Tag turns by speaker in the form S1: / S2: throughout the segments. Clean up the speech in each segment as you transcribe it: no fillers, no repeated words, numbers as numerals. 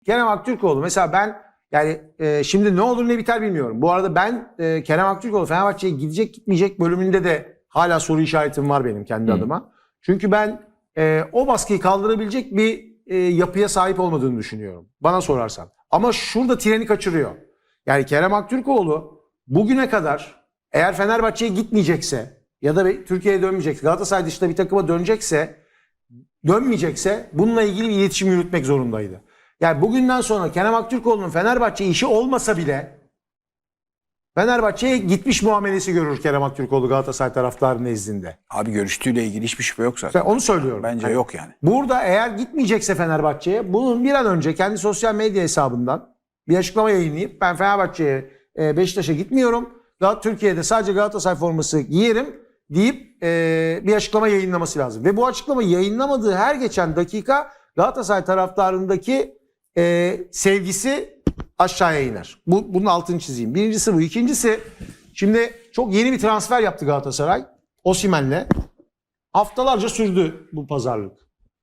S1: Kerem Aktürkoğlu mesela ben yani şimdi ne olur ne biter bilmiyorum. Bu arada ben Kerem Aktürkoğlu Fenerbahçe'ye gidecek gitmeyecek bölümünde de hala soru işaretim var benim kendi adıma. Çünkü ben o baskıyı kaldırabilecek bir yapıya sahip olmadığını düşünüyorum. Bana sorarsan. Ama şurada treni kaçırıyor. Yani Kerem Aktürkoğlu bugüne kadar eğer Fenerbahçe'ye gitmeyecekse ya da Türkiye'ye dönmeyecekse, Galatasaray dışında bir takıma dönmeyecekse bununla ilgili bir iletişim yürütmek zorundaydı. Yani bugünden sonra Kerem Aktürkoğlu'nun Fenerbahçe işi olmasa bile Fenerbahçe'ye gitmiş muamelesi görür Kerem Aktürkoğlu Galatasaray taraftarı nezdinde.
S2: Abi görüştüğüyle ilgili hiçbir şüphe yok zaten.
S1: Ben onu söylüyorum.
S2: Bence
S1: hani
S2: yok yani.
S1: Burada eğer gitmeyecekse Fenerbahçe'ye bunun bir an önce kendi sosyal medya hesabından bir açıklama yayınlayıp ben Fenerbahçe'ye Beşiktaş'a gitmiyorum. Türkiye'de sadece Galatasaray forması giyerim deyip bir açıklama yayınlaması lazım. Ve bu açıklamayı yayınlamadığı her geçen dakika Galatasaray taraftarındaki sevgisi aşağıya iner. Bunun altını çizeyim. Birincisi bu. İkincisi şimdi çok yeni bir transfer yaptı Galatasaray. Osimhen'le. Haftalarca sürdü bu pazarlık.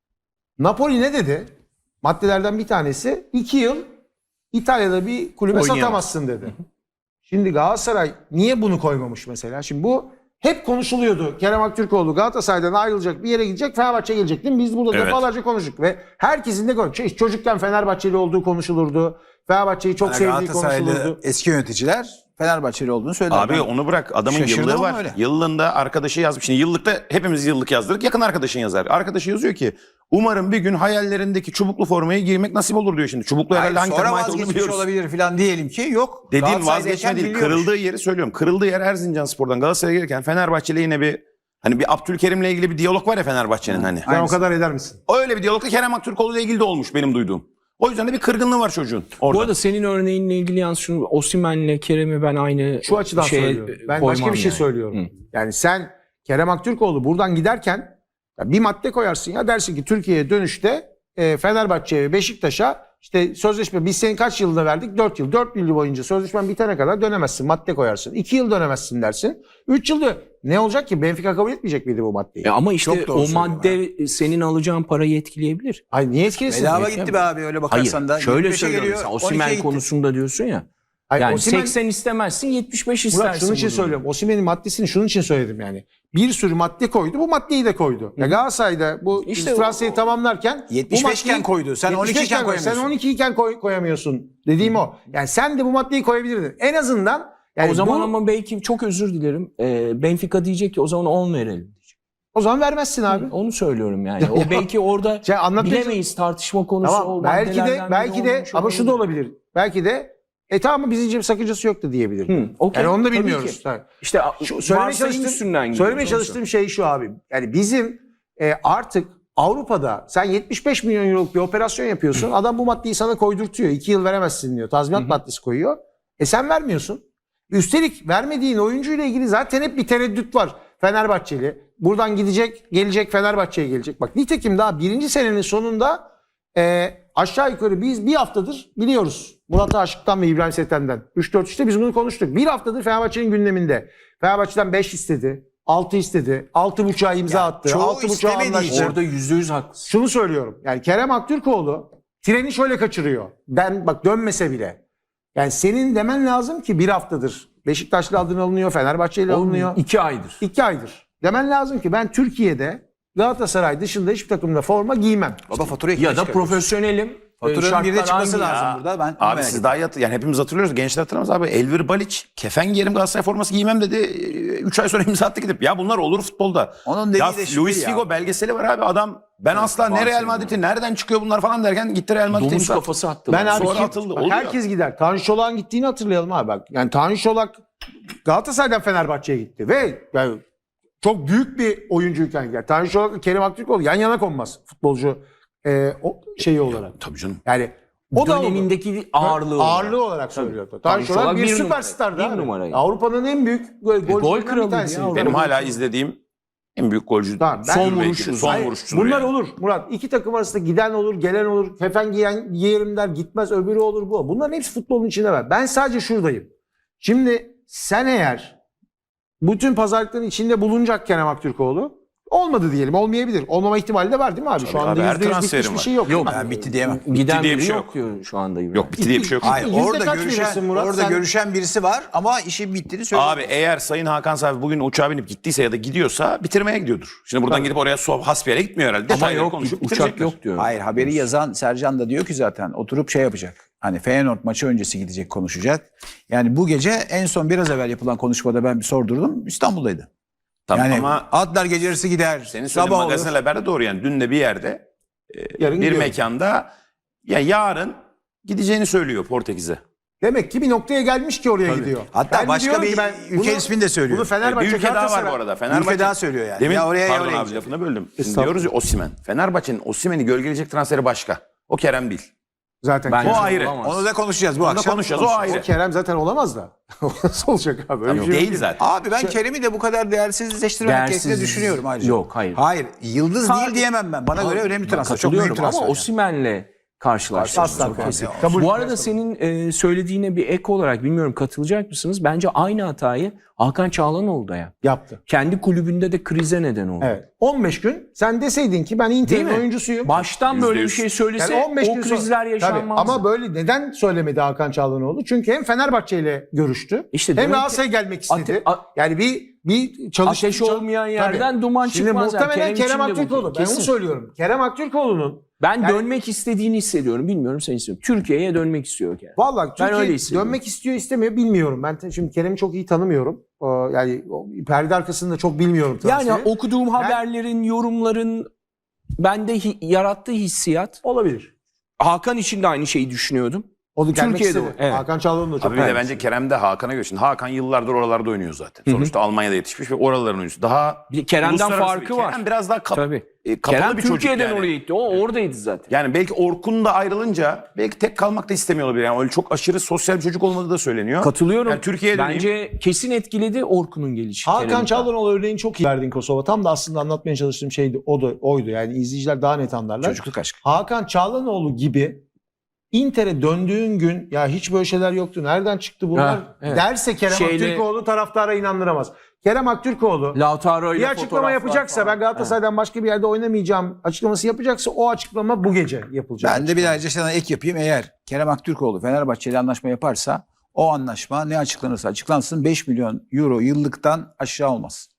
S1: Napoli ne dedi? Maddelerden bir tanesi 2 yıl İtalya'da bir kulübe satamazsın dedi. Şimdi Galatasaray niye bunu koymamış mesela? Şimdi bu hep konuşuluyordu. Kerem Aktürkoğlu Galatasaray'dan ayrılacak, bir yere gidecek, Fenerbahçe'ye gelecek değil mi? Biz burada defalarca konuştuk ve herkesin de konuştuk. Çocukken Fenerbahçeli olduğu konuşulurdu. Fenerbahçe'yi çok sevdiği konuşulurdu.
S2: Eski yöneticiler Fenerbahçeli olduğunu söylediler.
S3: Abi onu bırak. Adamın yıllığı var.
S2: Öyle.
S3: Yıllığında arkadaşı yazmış. Şimdi yıllıkta hepimiz yıllık yazdırdık. Yakın arkadaşın yazar. Arkadaşı yazıyor ki umarım bir gün hayallerindeki çubuklu formaya girmek nasip olur diyor şimdi. Çubuklu herhalde hangi
S2: Sonra
S3: takıma ait olduğunu
S2: vazgeçmiş
S3: biliyoruz.
S2: olabilir falan diyelim ki yok.
S3: Dediğim
S2: Galatasaray'dayken
S3: vazgeçme değil.
S2: biliyormuş.
S3: Kırıldığı yeri söylüyorum. Kırıldığı yer Erzincanspor'dan Galatasaray'a gelirken Fenerbahçe'yle yine bir hani bir Abdülkerim'le ilgili bir diyalog var ya Fenerbahçe'nin hani.
S1: Sen o kadar eder misin?
S3: Öyle bir diyalogda Kerem Aktürkoğlu'yla ilgili de olmuş benim duyduğum. O yüzden de bir kırgınlığı var çocuğun orada.
S4: Bu arada senin örneğinle ilgili yalnız şunu Osimhen'le Kerem'i ben aynı
S1: Şu açıdan söylüyorum. Ben başka bir şey söylüyorum. Yani sen Kerem Aktürkoğlu buradan giderken ya bir madde koyarsın ya dersin ki Türkiye'ye dönüşte Fenerbahçe'ye ve Beşiktaş'a işte sözleşme biz senin kaç yılda verdik? 4 yıl. 4 yıl boyunca sözleşmen bitene kadar dönemezsin. Madde koyarsın. 2 yıl dönemezsin dersin. 3 yılda ne olacak ki? Benfica kabul etmeyecek miydi bu maddeyi?
S4: Ama işte
S2: Çok doğru
S4: o madde senin alacağın parayı etkileyebilir.
S1: Ay niye etkilesin?
S2: Bedava gitti be abi öyle bakarsan da.
S4: Şöyle
S2: 25'e
S4: söylüyorum.
S2: geliyor,
S4: Sen
S2: 12'ye
S4: Osimhen
S2: gitti.
S4: konusunda diyorsun ya.
S1: Ay,
S4: Yani
S1: Osimhen-
S4: 80 istemezsin 75 istersin.
S1: Murat şunun için
S4: bunu.
S1: söylüyorum. Osimhen'in maddesini şunun için söyledim yani. Bir sürü madde koydu. Bu maddeyi de koydu. Ya Galatasaray'da bu
S4: İşte
S1: transferi tamamlarken
S2: 75 iken koydu. Sen 12 iken koyamıyorsun.
S1: Sen 12 iken koyamıyorsun. Dediğim o. Yani sen de bu maddeyi koyabilirdin. En azından yani
S4: O zaman
S1: bu-
S4: ama belki çok özür dilerim. Benfica diyecek ki o zaman 10 verelim.
S1: o zaman vermezsin abi.
S4: Onu söylüyorum yani. O belki orada
S1: Şey, anlatmaya-
S4: bilemeyiz tartışma konusu.
S1: Tamam.
S4: o
S1: Belki de
S4: maddelerden biri olmuş
S1: ama şu da
S4: olabilir.
S1: olabilir. Belki de tamam bizce bir sakıncası yok da diyebilir.
S4: okey.
S1: Yani onu da
S4: Tabii
S1: bilmiyoruz.
S4: ki.
S1: Tabii.
S4: İşte
S1: Söylemeye
S4: söylemeye
S1: çalıştığım şey şu abi. Yani bizim artık Avrupa'da sen 75 milyon euroluk bir operasyon yapıyorsun. Adam bu maddeyi sana koydurtuyor. 2 yıl veremezsin diyor. Tazminat maddesi koyuyor. Sen vermiyorsun. Üstelik vermediğin oyuncuyla ilgili zaten hep bir tereddüt var. Fenerbahçeli. Buradan gidecek, gelecek Fenerbahçe'ye gelecek. Bak nitekim daha birinci senenin sonunda aşağı yukarı biz bir haftadır biliyoruz. Murat Aşık'tan ve İbrahim Sethen'den. 3-4-3'te biz bunu konuştuk. Bir haftadır Fenerbahçe'nin gündeminde. Fenerbahçe'den 5 istedi. 6 istedi. 6,5'a imza attı.
S2: çoğu
S1: 6,5'a
S2: istemediği
S1: anlaştı.
S2: için.
S4: Orada %100 haklısın.
S1: Şunu söylüyorum. Yani Kerem Aktürkoğlu treni şöyle kaçırıyor. Bak dönmese bile. Yani senin demen lazım ki bir haftadır Beşiktaşlı adın alınıyor, Fenerbahçe'yle alınıyor.
S4: 2 aydır.
S1: 2 aydır. Demen lazım ki ben Türkiye'de Galatasaray dışında hiçbir takımda forma giymem.
S2: Baba faturayı
S4: Ya da profesyonelim.
S2: Faturanın bir de çıkması
S4: aynı.
S2: lazım burada. Ben
S3: Abi siz daha yani hepimiz hatırlıyoruz. Gençler hatırlamaz abi. Elvir Baliç kefen giyerim Galatasaray forması giymem dedi. 3 ay sonra imza attı gidip. Ya bunlar olur futbolda.
S2: Onun dediği
S3: ya
S2: de şu
S3: Luis
S2: değil
S3: Figo
S2: ya.
S3: belgeseli var abi. Adam ben asla ne Real Madrid'i nereden çıkıyor bunlar falan derken gitti Real Madrid'e
S4: Domuz
S3: imza.
S4: kafası attı.
S1: Ben abi
S3: Sonra atıldı.
S1: bak,
S3: Oluyor.
S1: herkes gider. Tanju Çolak'ın gittiğini hatırlayalım abi bak. Yani Tanju Çolak Galatasaray'dan Fenerbahçe'ye gitti ve yani çok büyük bir oyuncuyken gider. Tanju Çolak'la Kerem Aktürkoğlu yan yana konmaz futbolcu o şeyi olarak.
S3: Tabii canım.
S1: Yani o da oldu.
S4: dönemindeki ağırlığı.
S1: Ağırlığı olarak söylüyor. Tanju
S4: Tanju
S1: Çolak
S4: Çolak
S1: bir
S4: bir
S1: süperstardı
S4: numara.
S1: abi.
S4: Bir numaraydı.
S1: Avrupa'nın en büyük golcülerinden
S4: kralıydı
S1: bir tanesi.
S4: ya.
S3: Benim hala izlediğim en büyük golcü.
S1: Tamam, ben-
S3: son
S1: Son
S3: vuruşçu. Son
S1: Hayır,
S3: vuruşçudur
S1: bunlar
S3: yani.
S1: olur Murat. İki takım arasında giden olur, gelen olur. Kefen giyen giyerim der, gitmez öbürü olur bu. Bunların hepsi futbolun içinde var. Ben sadece şuradayım. Şimdi sen eğer bütün pazarlıkların içinde bulunacak Kerem Aktürkoğlu Olmadı diyelim. Olmayabilir. Olmama ihtimali de var değil mi abi? Şu
S3: Tabii
S1: anda
S3: abi, her
S1: %100 bitmiş
S3: transferin
S1: bir
S3: var.
S1: şey yok.
S4: Yok.
S1: değil mi?
S2: Ben bitti diyemem.
S4: Giden
S3: diye
S4: biri
S3: bir şey
S4: yok şu anda.
S3: Yok bitti diye bir şey yok.
S2: Hayır
S1: Yüzde
S2: orada
S1: kaç
S2: görüşen,
S1: verirsin Murat?
S2: orada
S1: Sen-
S2: görüşen birisi var ama işin bittiğini söylüyor.
S3: Abi eğer Sayın Hakan Safi bugün uçağa binip gittiyse ya da gidiyorsa bitirmeye gidiyordur. Şimdi buradan gidip oraya hasbiyere gitmiyor herhalde.
S4: Ama
S3: Detayları
S4: yok
S3: konuşup
S4: uçak
S3: bitirecekler.
S4: yok diyor.
S2: Hayır haberi yazan Sercan da diyor ki zaten oturup şey yapacak. Hani Feyenoord maçı öncesi gidecek konuşacak. Yani bu gece en son biraz evvel yapılan konuşmada ben bir sordurdum. İstanbul'daydı.
S3: Tamam
S2: Yani
S3: ama
S2: atlar gece yarısı gider.
S3: senin söylediğin
S2: sabah olur.
S3: magazin haberde doğru yani. Dün de bir yerde
S1: Yarın
S3: bir
S1: gidiyorum.
S3: mekanda ya yarın gideceğini söylüyor Portekiz'e.
S1: Demek ki bir noktaya gelmiş ki oraya gidiyor.
S2: Hatta
S1: Ben de
S2: başka
S1: diyorum
S2: bir
S1: ki ben
S2: ülke ismini de söylüyor.
S1: Bunu Fenerbahçe
S3: Bir ülke daha var
S1: Galatasaray-
S3: bu arada.
S2: Bir
S3: Fenerbahçe
S2: ülke daha söylüyor yani.
S3: Demin,
S2: ya oraya
S3: pardon
S2: oraya
S3: abi
S2: gidecek.
S3: lafını böldüm. Şimdi
S1: Estağfurullah.
S3: diyoruz ya Osimhen. Fenerbahçe'nin Osimhen'i gölgeleyecek transferi başka. O Kerem değil.
S1: Zaten
S4: Bence
S3: O
S1: Kerem,
S3: ayrı.
S4: olamaz.
S2: Onu da konuşacağız bu
S3: Onu da
S2: akşam.
S3: konuşacağız. O ayrı.
S1: o Kerem zaten olamaz da. Nasıl olacak abi? Öyle bir şey
S3: Değil
S1: yok.
S3: zaten.
S2: Abi ben Kerem'i de bu kadar değersizleştirmemek gerektiğini
S4: Değersiz-
S2: düşünüyorum ayrıca.
S4: Yok, hayır.
S2: Hayır. Yıldız
S4: Ha-
S2: değil diyemem ben. Bana göre önemli transfer. Çok
S4: Katılıyorum
S2: büyük transfer.
S4: ama
S2: yani.
S4: Osimhen'le karşılaştırıyoruz.
S1: Asla
S4: Çok kesin.
S1: kabul
S4: Bu arada
S1: etmez.
S4: senin söylediğine bir ek olarak bilmiyorum katılacak mısınız? Bence aynı hatayı Hakan Çağlanoğlu da yaptı.
S1: Yaptı.
S4: Kendi kulübünde de krize neden oldu.
S1: Evet. 15 gün sen deseydin ki ben
S4: Değil
S1: Inter'in
S4: mi?
S1: oyuncusuyum.
S4: Baştan böyle bir
S3: %100.
S4: şey söylese
S1: Yani 15
S4: o
S1: gün sonra-
S4: krizler
S1: Tabii,
S4: yaşanmazdı.
S1: ama böyle neden söylemedi Hakan Çağlanoğlu? Çünkü hem Fenerbahçe ile görüştü.
S4: İşte
S1: Hem
S4: demek ki-
S1: Galatasaray'a gelmek istedi. Yani bir çalıştı.
S4: Ateş olmayan yerden duman
S1: Şimdi
S4: çıkmaz. Yani
S1: muhtemelen
S4: Kerem
S1: Kerem
S4: için de bu
S1: Aktürkoğlu. Ben onu
S4: kesin.
S1: söylüyorum. Kerem Aktürkoğlu'nun
S4: Ben dönmek istediğini hissediyorum. Bilmiyorum sen istiyorum. Türkiye'ye dönmek istiyor Kerem.
S1: vallahi
S4: Ben öyle
S1: Türkiye
S4: hissediyorum.
S1: dönmek istiyor istemiyor bilmiyorum. Ben şimdi Kerem'i çok iyi tanımıyorum. Yani perde arkasında çok bilmiyorum transferi.
S4: Yani okuduğum haberlerin, yorumların bende yarattığı hissiyat.
S1: olabilir.
S4: Hakan için de aynı şeyi düşünüyordum.
S1: O da gelmek
S4: Türkiye'de
S1: istedi.
S4: o, evet.
S1: Hakan Çağlanoğlu da çok
S3: Abi bir de
S1: beğenmiş.
S3: bence Kerem de Hakan'a göre. Şimdi Hakan yıllardır oralarda oynuyor zaten. Sonuçta Almanya'da yetişmiş ve oraların oyuncusu. Daha
S4: Bir de Kerem'den
S3: uluslararası
S4: farkı
S3: bir-
S4: var.
S3: Kerem biraz daha
S4: Tabii.
S3: kapalı
S4: Kerem
S3: bir çocuk
S4: Türkiye'den
S3: yani.
S4: oraya gitti. O oradaydı zaten.
S3: Yani belki Orkun da ayrılınca belki tek kalmak da istemiyor olabilir. Yani öyle çok aşırı sosyal bir çocuk olmadığı da söyleniyor.
S4: Katılıyorum.
S3: Yani Türkiye'ye döneyim.
S4: Bence kesin etkiledi Orkun'un gelişi.
S1: Hakan
S4: Kerem'in.
S1: Çağlanoğlu örneğini çok iyi verdin Kosova. Tam da aslında anlatmaya çalıştığım şeydi. Oydu. Yani izleyiciler daha net anlarlar.
S2: Çocukluk aşkı.
S1: Hakan Çağlanoğlu gibi Inter'e döndüğün gün ya hiç böyle şeyler yoktu. Nereden çıktı bunlar?
S4: Ha, evet.
S1: Derse Kerem Aktürkoğlu taraftara inandıramaz. Kerem Aktürkoğlu
S4: Lautaro ile
S1: bir açıklama
S4: fotoğraflar
S1: yapacaksa
S4: falan.
S1: ben Galatasaray'dan başka bir yerde oynamayacağım açıklaması yapacaksa o açıklama bu gece yapılacak.
S2: Ben de bir ayrıca sana ek yapayım. Eğer Kerem Aktürkoğlu Fenerbahçe ile anlaşma yaparsa o anlaşma ne açıklanırsa açıklansın 5 milyon euro yıllıktan aşağı olmaz.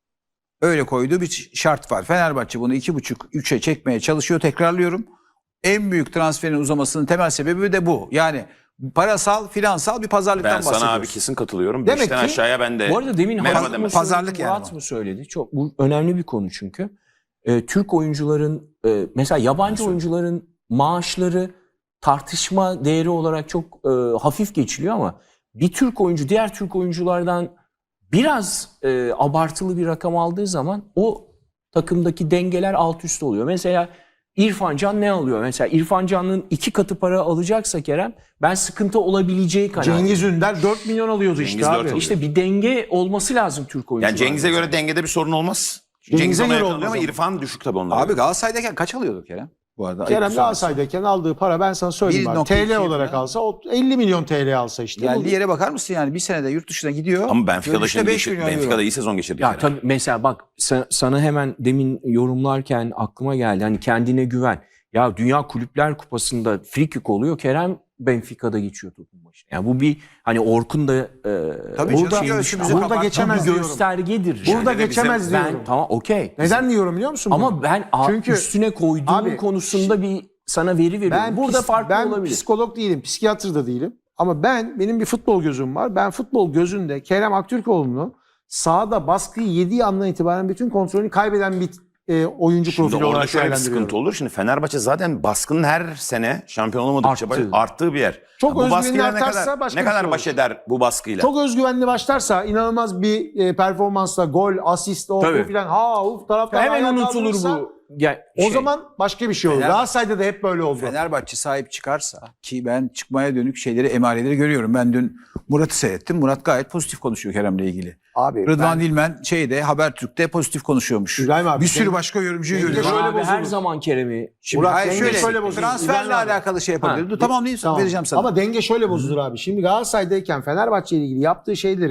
S2: Öyle koyduğu bir şart var. Fenerbahçe bunu 2,5-3'e çekmeye çalışıyor. Tekrarlıyorum. En büyük transferin uzamasının temel sebebi de bu. Yani parasal, finansal bir pazarlıktan
S3: Ben
S2: bahsediyoruz.
S3: sana abi kesin katılıyorum.
S1: Demek
S3: Beşten
S1: ki-
S3: aşağıya ben de
S4: Bu arada demin
S3: merhaba
S4: Murat mı
S3: demem.
S4: söyledi,
S2: Pazarlık yani
S4: Murat
S2: bu.
S4: mı söyledi? Çok bu önemli bir konu çünkü. Türk oyuncuların mesela yabancı oyuncuların maaşları tartışma değeri olarak çok hafif geçiliyor ama bir Türk oyuncu diğer Türk oyunculardan biraz abartılı bir rakam aldığı zaman o takımdaki dengeler alt üst oluyor. Mesela İrfan Can ne alıyor? Mesela İrfan Can'ın 2 katı para alacaksa Kerem ben sıkıntı olabileceği kanaatindeyim.
S1: Cengiz Ünder 4 milyon alıyordu
S3: Cengiz
S1: işte
S3: 4
S1: abi.
S3: alıyor.
S4: İşte bir denge olması lazım Türk oyuncularda.
S3: Yani Cengiz'e göre dengede bir sorun olmaz.
S1: Cengiz'e
S3: Cengiz ona
S1: göre
S3: yakın
S1: olmaz
S3: oluyor ama
S1: ama.
S3: İrfan düşük tabii onlara.
S2: Abi Galatasaray'dayken kaç alıyordu Kerem? Bu arada.
S1: Kerem
S2: ayıp
S1: Galatasaray'dayken aldığı para ben sana söyleyeyim abi.
S2: 1.2
S1: TL olarak
S2: falan.
S1: alsa o 50 milyon TL alsa işte.
S2: Geldiği yere bakar mısın yani? Bir senede yurt dışına gidiyor.
S3: Ama Benfica'da
S2: dönüşte
S3: şimdi
S2: 5 milyon
S3: Benfica'da
S2: euro.
S3: iyi sezon geçirdi.
S4: Ya
S3: Kerem.
S4: tabii mesela bak sana hemen demin yorumlarken aklıma geldi. Hani kendine güven. Ya Dünya Kulüpler Kupası'nda free kick oluyor. Kerem Benfica'da geçiyor topun başına. Yani bu bir hani Orkun da
S2: Tabii
S1: Burada-
S2: canım, göğsümüzü
S1: burada
S2: kapattı.
S1: geçemez
S4: bir
S1: diyorum.
S4: göstergedir.
S1: Burada
S3: Yani
S1: geçemez
S3: bizim-
S1: diyorum.
S4: Tamam okey.
S1: Neden diyorum biliyor musun? bunu?
S4: Ama ben
S1: Çünkü
S4: üstüne koyduğum
S1: abi,
S4: konusunda bir sana veri veriyorum.
S1: ben
S4: Burada farklı
S1: ben
S4: olabilir.
S1: psikolog değilim, psikiyatr da değilim. Ama benim bir futbol gözüm var. Ben futbol gözünde Kerem Aktürkoğlu'nu sahada baskıyı yediği andan itibaren bütün kontrolünü kaybeden bir oyuncu
S3: Şimdi
S1: profili
S3: orada
S1: olarak
S3: şöyle bir
S1: değerlendiriyorum.
S3: sıkıntı olur. Şimdi Fenerbahçe zaten baskının her sene şampiyon olamadıkça
S4: Arttı.
S3: arttığı bir yer.
S1: Çok
S3: bu
S1: özgüvenli
S3: baskıyla
S1: artarsa başka
S3: ne
S1: bir
S3: kadar
S1: şey
S3: baş
S1: olur.
S3: eder bu baskıyla?
S1: Çok özgüvenli başlarsa inanılmaz bir performansla gol, asist, o
S4: Tabii.
S1: bu filan taraftar
S4: Hemen
S1: ayağa
S4: unutulur
S1: kaldırırsa,
S4: bu. Ya,
S1: O zaman başka bir şey olur.
S2: Fener-
S1: Galatasaray'da da hep böyle oldu.
S2: Fenerbahçe sahip çıkarsa ki ben çıkmaya dönük şeyleri, emareleri görüyorum. Ben dün Murat'ı seyrettim. Murat gayet pozitif konuşuyor Kerem'le ilgili.
S1: Abi
S2: Rıdvan Dilmen Habertürk'te pozitif konuşuyormuş.
S1: İbrahim abi,
S2: bir sürü
S1: denge-
S2: başka yorumcuyu
S1: denge
S2: görüyorum.
S1: şöyle
S4: abi her
S1: bozulur.
S4: zaman Kerem'i
S2: Şimdi
S1: Murat,
S2: hayır
S1: denge
S2: şöyle,
S1: şöyle bozulur.
S2: transferle
S1: İbrahim abi.
S2: alakalı şey yapabilir.
S4: Ha,
S2: Dur tamamlayayım
S1: Tamam.
S2: vereceğim sana.
S1: Ama denge şöyle bozulur abi. Şimdi Galatasaray'dayken Fenerbahçe ile ilgili yaptığı şeyleri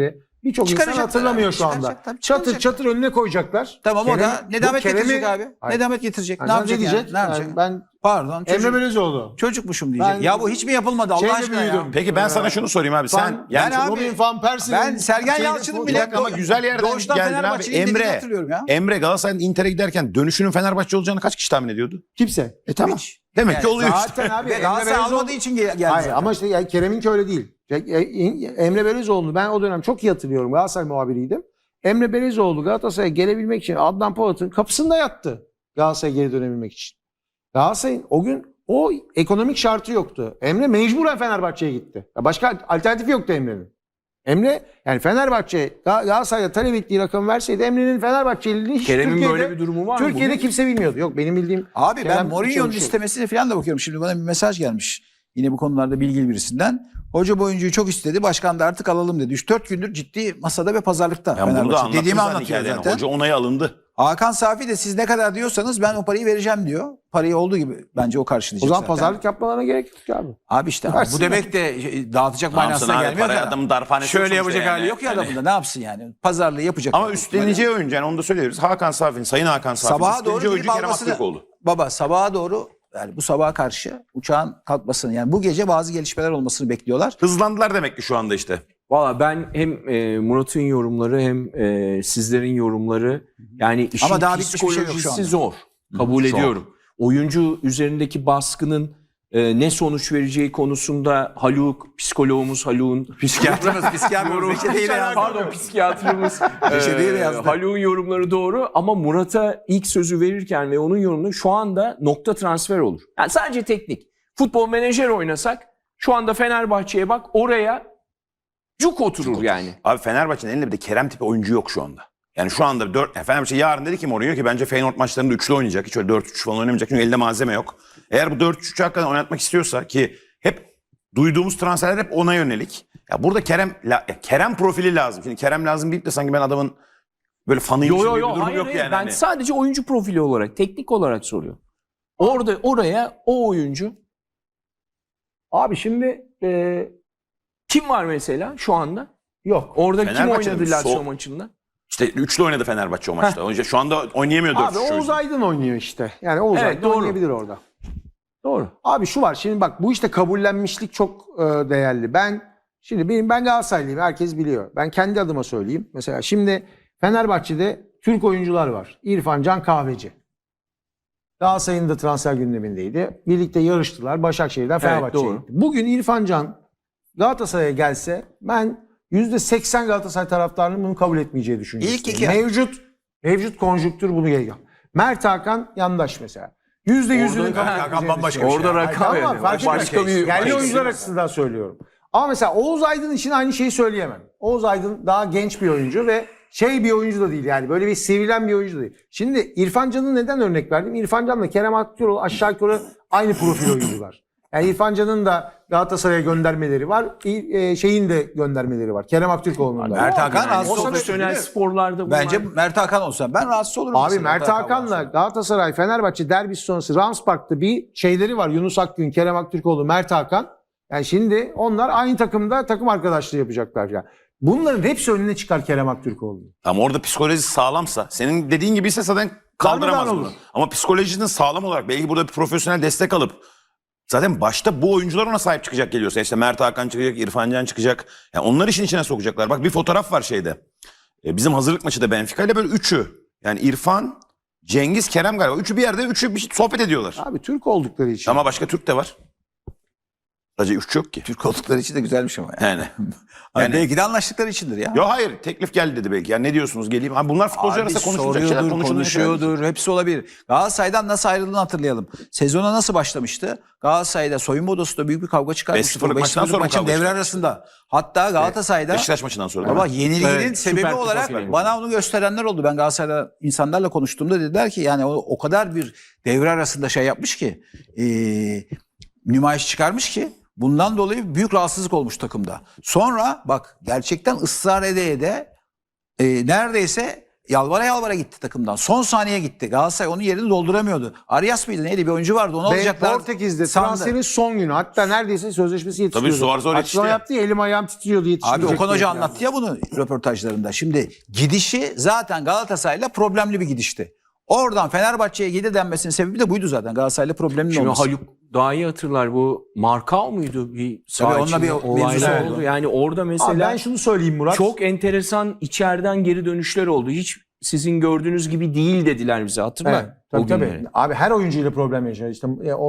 S1: birçok insan
S2: Çıkaracaklar
S1: hatırlamıyor
S2: abi,
S1: şu anda.
S2: çıkaracak tabii,
S1: Çatır
S2: çıkaracak.
S1: çatır önüne koyacaklar.
S2: Tamam, o da
S1: Kerem'i-
S2: nedamet
S1: bu Kerem'i-
S2: getirecek abi.
S1: Hayır.
S2: Nedamet getirecek.
S1: Yani
S2: Ne yapacak
S1: diyecek?
S2: yani? Ne yapacak?
S1: Ben
S2: Pardon.
S1: Emre
S2: Çocuk,
S1: Belözoğlu.
S2: çocukmuşum diyecek.
S1: Ben-
S2: Ya bu hiç mi yapılmadı Allah
S1: Şeyle
S2: aşkına ya?
S1: büyüdüm.
S3: Peki ben sana şunu sorayım abi. Sen
S1: Van,
S3: yani
S2: ben abi-
S1: Robin Van Persie'nin
S2: Ben Sergen
S1: şeyde-
S2: Yalçın'ın
S3: bir
S2: bile
S3: dakika ama güzel yerden
S2: doğuştan
S3: geldin abi.
S2: Fenerbahçe'nin dediğini
S3: Emre.
S2: hatırlıyorum ya.
S3: Emre Galatasaray'ın Inter'e giderken dönüşünün Fenerbahçe olacağını kaç kişi tahmin ediyordu?
S1: kimse.
S3: Tamam.
S2: Hiç.
S3: Demek ki
S2: Yani
S3: oluyor işte.
S1: Zaten abi
S2: Ve Galatasaray
S1: Belözoğlu-
S2: almadığı için geldi
S1: Hayır
S2: zaten.
S1: ama işte yani Kerem'inki öyle değil. Emre Belözoğlu'nu ben o dönem çok iyi hatırlıyorum. Galatasaray muhabiriydim. Emre Belözoğlu Galatasaray'a gelebilmek için Adnan Polat'ın kapısında yattı. Galatasaray'a geri dönebilmek için. Galatasaray'ın o gün o ekonomik şartı yoktu. Emre mecburen Fenerbahçe'ye gitti. Ya başka alternatif yoktu Emre'nin. Emre yani Fenerbahçe Galatasaray'a talep ettiği rakamı verseydi Emre'nin Fenerbahçeli'ni hiç
S4: Kerem'in
S1: Türkiye'de,
S4: böyle bir durumu var mı?
S1: Türkiye'de
S4: bugün?
S1: kimse bilmiyordu. Yok benim bildiğim
S2: Abi ben
S1: Kerem
S2: Mourinho'nun
S1: çok-
S2: istemesine falan da bakıyorum. Şimdi bana bir mesaj gelmiş. Yine bu konularda bilgili birisinden. Hoca bu oyuncuyu çok istedi. Başkan da artık alalım dedi. 3-4 gündür ciddi masada ve pazarlıkta.
S3: Yani bunu da
S2: Fenerbahçe.
S3: anlattım
S2: Dediğimi
S3: zaten
S2: anlatıyor
S3: hikayede.
S2: zaten.
S3: Hoca onayı alındı.
S2: Hakan Safi de siz ne kadar diyorsanız ben o parayı vereceğim diyor. Parayı olduğu gibi bence o karşılayacak
S1: O zaman
S2: zaten.
S1: pazarlık yapmalarına gerek yok ki abi.
S2: Abi işte bu
S1: Versinler.
S2: demek de dağıtacak
S3: Ne yapsın
S2: manasına
S3: abi,
S2: gelmiyor
S3: parayı
S2: da.
S3: adamın darphanesi
S2: Şöyle
S3: yok
S2: yapacak
S3: sonuçta
S2: hali
S3: yani.
S2: yok ya
S3: Yani.
S2: adamın da ne yapsın yani. Pazarlığı yapacak.
S3: Ama üstleneceği oyuncu yani onu da söylüyoruz. Hakan Safi'nin, Sayın Hakan Safi'nin
S2: Sabaha
S3: üstleneceği
S2: doğru
S3: oyuncu
S2: gidip
S3: Kerem
S2: almasını-
S3: Aktürkoğlu.
S2: Baba sabaha doğru yani bu sabaha karşı uçağın kalkmasını yani bu gece bazı gelişmeler olmasını bekliyorlar.
S3: Hızlandılar demek ki şu anda işte.
S4: Valla ben hem Murat'ın yorumları hem sizlerin yorumları yani işin
S2: Ama daha bitmiş bir şey yok şu
S4: psikolojisi
S2: anda.
S4: zor. Kabul
S3: zor.
S4: ediyorum. Oyuncu üzerindeki baskının ne sonuç vereceği konusunda Haluk, psikologumuz Haluk'un
S2: Psikiyatrımız Reçeteyle yazdı.
S4: Pardon psikiyatrımız
S2: Reçeteyle yazdı.
S4: Haluk'un yorumları doğru ama Murat'a ilk sözü verirken ve onun yorumları şu anda nokta transfer olur. Yani sadece teknik. Futbol menajer oynasak şu anda Fenerbahçe'ye bak oraya cuk oturur yani.
S3: Abi Fenerbahçe'nin elinde bir de Kerem tipi oyuncu yok şu anda. Yani şu anda Fenerbahçe yarın dedi ki Mourinho ki bence Feyenoord maçlarında üçlü oynayacak. Hiç öyle 4-3 falan oynamayacak. Çünkü elde malzeme yok. Eğer bu 4-3'ü hakikaten oynatmak istiyorsa ki hep duyduğumuz transferler hep ona yönelik. Ya burada Kerem profili lazım. Şimdi Kerem lazım deyip de sanki ben adamın böyle fanıyım gibi bir durum
S4: Hayır,
S3: yok
S4: hayır.
S3: yani.
S4: Ben
S3: Hani.
S4: sadece oyuncu profili olarak, teknik olarak soruyorum. Oraya o oyuncu
S1: Abi şimdi
S4: kim var mesela şu anda?
S1: yok.
S4: Orada kim
S3: Fenerbahçe'nin
S4: oynadı Lazio
S3: sol-
S4: maçında?
S3: İşte üçlü oynadı Fenerbahçe o maçta. Önce şu anda oynayamıyor 4-3.
S1: Abi Oğuz Aydın oynuyor işte. Yani Oğuz
S4: Evet,
S1: Aydın
S4: doğru.
S1: oynayabilir orada.
S4: Doğru.
S1: Abi şu var şimdi bak bu işte kabullenmişlik çok değerli. Ben Galatasaraylıyım herkes biliyor. Ben kendi adıma söyleyeyim. Mesela şimdi Fenerbahçe'de Türk oyuncular var. İrfan Can Kahveci. Galatasaray'ın da transfer gündemindeydi. Birlikte yarıştılar. Başakşehir'den Fenerbahçe'ye
S4: doğru.
S1: gitti. Bugün İrfan Can Galatasaray'a gelse ben %80 Galatasaray taraftarının bunu kabul etmeyeceği düşünüyorum.
S2: İlk iki.
S1: Mevcut konjüktür bunu geliyor. Mert Hakan yandaş mesela. %100'ünün kabul
S2: Hakan
S1: etmeyeceğini
S2: bambaşka bir
S1: düşünüyorum.
S4: Orada
S1: Hayır,
S4: rakam
S1: tamam,
S4: yani.
S1: fark
S4: Başka
S1: etmez.
S4: bir-
S1: Yerli
S4: başka
S1: oyuncular
S4: bir-
S1: açısından söylüyorum. Ama mesela Oğuz Aydın için aynı şeyi söyleyemem. Oğuz Aydın daha genç bir oyuncu ve bir oyuncu da değil yani. Böyle bir sivrilen bir oyuncu da değil. Şimdi İrfan Can'ı neden örnek verdim? İrfan Can'la Kerem Aktürkoğlu aşağı yukarı aynı profil oyuncular. Yani İrfan Can'ın da Galatasaray'a göndermeleri var. Şeyin de göndermeleri var. Kerem Aktürkoğlu'nun da.
S2: Mert Hakan
S4: Yani
S2: rahatsız olmuş.
S4: profesyonel sporlarda bunlar...
S2: Bence Mert Hakan olsa ben rahatsız olurum.
S1: Abi
S2: mesela
S1: Mert Hakan'la
S2: varsa.
S1: Galatasaray Fenerbahçe derbisi sonrası Rams Park'ta bir şeyleri var. Yunus Akgün, Kerem Aktürkoğlu, Mert Hakan. Yani şimdi onlar aynı takımda takım arkadaşlığı yapacaklar yani. Bunların hepsi önüne çıkar Kerem Aktürkoğlu.
S3: Ama orada psikolojisi sağlamsa, senin dediğin gibi ise zaten kaldıramaz
S1: Darmadağın
S3: bunu.
S1: olur.
S3: Ama psikolojinin sağlam olarak belki burada bir profesyonel destek alıp zaten başta bu oyuncular ona sahip çıkacak geliyorsa. İşte Mert Hakan çıkacak, İrfan Can çıkacak. Yani onlar işin içine sokacaklar. Bak bir fotoğraf var şeyde. Bizim hazırlık maçı da Benfica ile böyle üçü. Yani İrfan, Cengiz, Kerem galiba. Üçü bir yerde bir şey sohbet ediyorlar.
S1: Abi Türk oldukları için.
S3: Ama başka Türk de var. Sadece üç yok ki.
S2: Türk oldukları için de güzelmiş ama.
S3: Yani.
S2: Yani belki de anlaştıkları içindir ya.
S3: Yok hayır teklif geldi dedi belki. Yani ne diyorsunuz geleyim. Abi bunlar futbolcu
S2: Abi
S3: arasında konuşulacak şeyler.
S2: konuşuyordur. Hepsi olabilir. Galatasaray'dan nasıl ayrıldığını hatırlayalım. Sezona nasıl başlamıştı? Galatasaray'da soyunma odasında büyük bir kavga çıkarmıştı.
S3: 5-0'lık maçtan sonra mı
S2: maçın
S3: kavga
S2: devre
S3: çıkarmıştı?
S2: arasında. Hatta Galatasaray'da
S3: Beşiktaş maçından sonra. değil
S2: ama
S3: mi?
S2: yenilginin
S4: Evet,
S2: sebebi
S4: Süper Kupa
S2: olarak
S4: finali.
S2: bana onu gösterenler oldu. Ben Galatasaray'da insanlarla konuştuğumda dediler ki yani o kadar bir devre arasında şey yapmış ki nümayiş çıkarmış ki bundan dolayı büyük rahatsızlık olmuş takımda. Sonra bak gerçekten ısrar ede neredeyse yalvara yalvara gitti takımdan. Son saniye gitti. Galatasaray onun yerini dolduramıyordu. Arias mıydı neydi bir oyuncu vardı onu
S1: Ve
S2: alacaklar.
S1: Portekiz'de
S2: sandı.
S1: transferin son günü. Hatta neredeyse sözleşmesi yetişiyordu.
S3: zor zor
S1: Açıklama
S3: yetişti.
S1: yaptı ya, elim ayağım titriyordu,
S2: Abi
S1: yetişmeyecek
S2: Okan Hoca
S1: diye.
S2: anlattı ya bunu röportajlarında. Şimdi gidişi zaten Galatasaray'la problemli bir gidişti. Oradan Fenerbahçe'ye gidi denmesinin sebebi de buydu zaten. Galatasaray'la problemli
S4: Şimdi
S2: olması.
S4: Haluk daha iyi hatırlar, bu Markao muydu? Bir
S2: Tabii onunla
S4: içinde
S2: bir
S4: olaylar
S2: mevzusu
S4: oldu.
S2: oldu.
S4: Yani orada
S1: Abi
S4: mesela
S1: ben şunu söyleyeyim Murat.
S4: çok enteresan içeriden geri dönüşler oldu. Hiç sizin gördüğünüz gibi değil dediler bize, hatırla.
S1: Evet, tabii,
S4: o
S1: tabii.
S4: günleri.
S1: Abi her oyuncuyla problem yaşar. İşte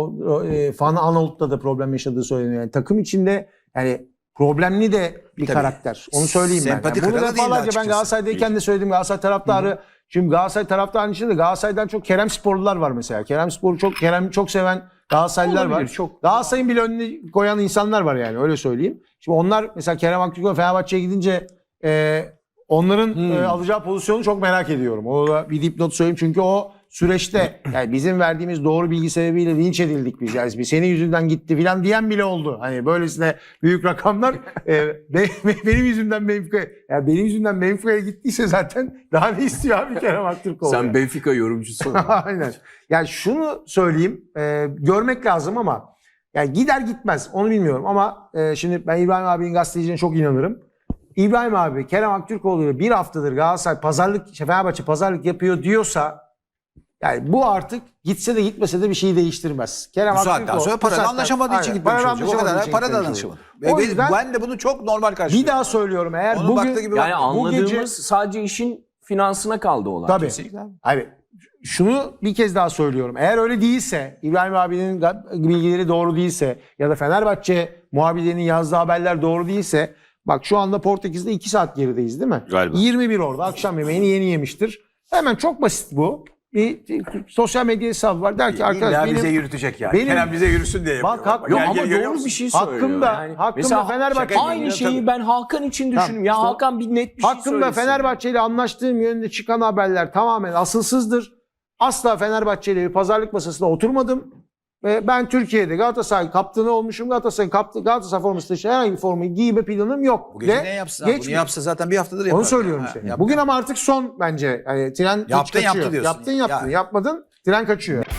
S1: Fan Anadolu'da da problem yaşadığı söyleniyor. Yani takım içinde yani problemli de bir
S2: Tabii.
S1: karakter. Onu söyleyeyim ben.
S2: Sempati
S1: Yani bunu
S2: kırığı da değildi
S1: defalarca ben
S2: açıkçası.
S1: Galatasaray'dayken de söyledim. Galatasaray taraftarı. Şimdi Galatasaray taraftarının içinde de Galatasaray'dan çok Kerem sporlular var mesela. Kerem'i çok seven Galatasaraylılar var.
S4: Olabilir, çok.
S1: Galatasaray'ın bile önüne koyan insanlar var yani, öyle söyleyeyim. Şimdi onlar mesela Kerem Aktürkoğlu Fenerbahçe'ye gidince onların alacağı pozisyonu çok merak ediyorum. O da bir dipnot söyleyeyim çünkü o süreçte yani bizim verdiğimiz doğru bilgi sebebiyle linç edildik biz. Yani senin yüzünden gitti filan diyen bile oldu. Hani böylesine büyük rakamlar benim yüzümden Benfica'ya gittiyse zaten daha ne istiyor abi Kerem Aktürkoğlu?
S4: Sen Benfica yorumcusun.
S1: Aynen. Yani şunu söyleyeyim, görmek lazım ama yani gider gitmez onu bilmiyorum ama şimdi ben İbrahim abinin gazeteciliğine çok inanırım. İbrahim abi Kerem Aktürkoğlu'yla bir haftadır Galatasaray Fenerbahçe pazarlık yapıyor diyorsa yani bu artık gitse de gitmese de bir şeyi değiştirmez. Kerem
S2: Bu saatten
S1: Aktürkoğlu
S2: sonra paradan anlaşamadığı için gitmemiş olacak. O kadar para da anlaşamadı.
S1: O yüzden
S2: Ben de bunu çok normal karşılıyorum.
S1: bir daha söylüyorum, eğer
S2: Onun baktığı gibi
S4: Yani
S2: bak-
S4: anladığımız
S1: gece-
S4: sadece işin finansına kaldı olan.
S1: tabii.
S2: Kesinlikle abi.
S1: Abi şunu bir kez daha söylüyorum. Eğer öyle değilse, İbrahim abinin bilgileri doğru değilse ya da Fenerbahçe muhabirlerinin yazdığı haberler doğru değilse, bak şu anda Portekiz'de 2 saat gerideyiz değil mi?
S3: Galiba.
S1: 21 orada akşam yemeğini yeni yemiştir. Hemen çok basit bu. Bir sosyal medya hesabı var. Der ki arkadaş
S2: İlla
S1: benim
S2: bize yürütecek yani.
S1: benim-
S2: Kerem bize yürüsün diye
S1: Bak,
S2: yapıyor.
S1: hak-
S4: Yok
S1: Gel,
S4: ama
S1: gel, görüyor
S4: doğru
S1: musun?
S4: bir şey söylüyor.
S1: Hakkımda-
S4: Yani
S1: hakkımda
S4: mesela
S1: Fenerbahçe-
S2: şaka
S4: aynı
S2: gibi,
S4: şeyi
S2: tabii.
S4: ben Hakan için düşünüyorum. Ya
S1: işte
S4: Hakan bir net bir şey
S1: hakkımda
S4: söylesin.
S1: Fenerbahçe ile anlaştığım yönünde çıkan haberler tamamen asılsızdır. Asla Fenerbahçe ile bir pazarlık masasına oturmadım. Ve ben Türkiye'de Galatasaray kaptanı olmuşum. Galatasaray forması dışı herhangi bir formayı giyme planım yok.
S2: Bu gece
S1: Ve
S2: ne yapsın? Bunu
S1: geçmiyor.
S2: yapsa zaten bir haftadır yapar.
S1: Onu söylüyorum
S2: Ha,
S1: işte.
S2: yaptı.
S1: Bugün ama artık son bence. Yani tren hiç
S2: Yaptın,
S1: kaçıyor.
S2: yaptı diyorsun.
S1: Yaptın.
S2: Ya.
S1: Yapmadın. Tren kaçıyor.